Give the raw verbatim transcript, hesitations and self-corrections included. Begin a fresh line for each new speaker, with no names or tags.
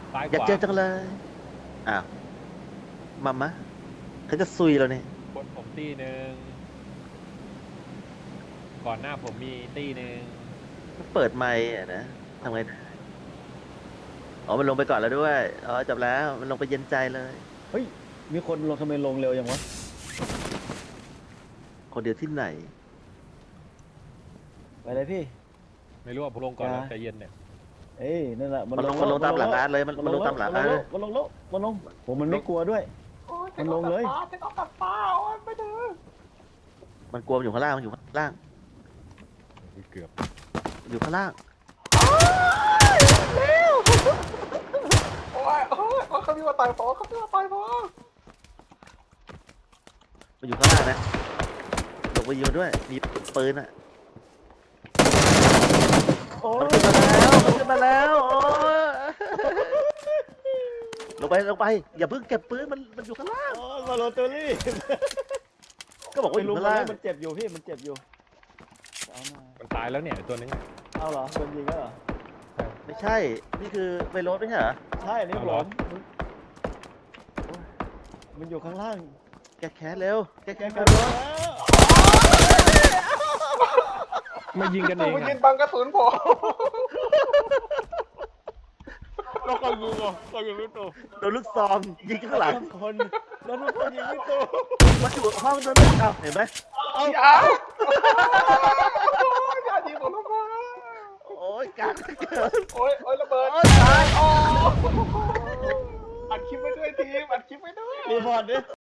ซ้ายข
อยาก
วา
เจอจังเลยอ้าวมามะเขาจะซุยเราเนี่ย
บนผมตีหนึ่งก่อนหน้าผมมีตีหนึ่ง
เปิดไมค์อะนะทำไงอ๋อมันลงไปก่อนแล้วด้วยอ๋อจบแล้วมันลงไปเย็นใจเลย
เฮ้ยมีคนลงทำไมลงเร็วอย่างวะ
คนเดียวที่ไหน
ไปเลยพี่
ไม่รู้ว่าผมลงก่อนแล้ว
อย่า
ใจเย็นเนี่ย
เอ้ยนั่นแหละ
มันลงมันลงตามหลังอาร์ตเลยมันมันลงตามหลังอาร์ตเลย
มันลงแล้วมันลงผมมันไม่กลัวด้วย มันลงเลย
มันกลัวมันอยู่ข้างล่างมันอยู่ข้างล่าง
เกือบ
อยู่ข้างล่าง
โอ้ยโอ้ยโอ้ยเขาพี่ว่าตายพอเขาพี่ว่าตายพอ
มันอยู่ข้างล่างนะลงไปยิงมันด้วยมีปืนอ่ะ
โอ้
มัน
ย
ขึ้นมาแล้วมันขึ้นมาแล้วโอ้ยลงไปลงไปอย่าเพิ่งเก็บปืนมันมันอยู่ข้างล่าง
โอ้ยมาโรเตอรี่
ก็บอกว่า
ไม่
อยู่
รู้
ข้าง
มัน
ล่าง
มันเจ็บอยู่พี่มันเจ็บอยู่เอามา
มันตายแล้วเนี่ยตัวนึง
เอาเหรอโดนยิงแล้วเหรอ
ไม่ใช่นี่คือไวโรสไม่ใช่เหรอ
ใช่นี่
เอา
ผ
เหรอ
มมันอยู่ข้างล่าง
แกแค้นเร็วแก
แก
แค้น
กระ
เร็
โด
ว
ด
ไม่ยิงกันเอ
กู
ง
ไปยื
อะ
นบังกระสุนผม
เราก็ยิงอ่ะเรายิงไม่ตัว
โดนลูกซองยิงข้างหลัง
ทุกคนแล้วทุกคนยิงไม่ตัว
มันอยู่ห้องนั้นเอ้าเห็นไหม
อย่าอย่ายิงผมทำไม
โอ้ยกากเกิน
โอ้ยโอ้ยระเบิด
โอ้ยตาย
อ๋ออัดคลิปไว้ด้วยทีมอัดคลิปไว้ด้วย
รีพอร์ตดิ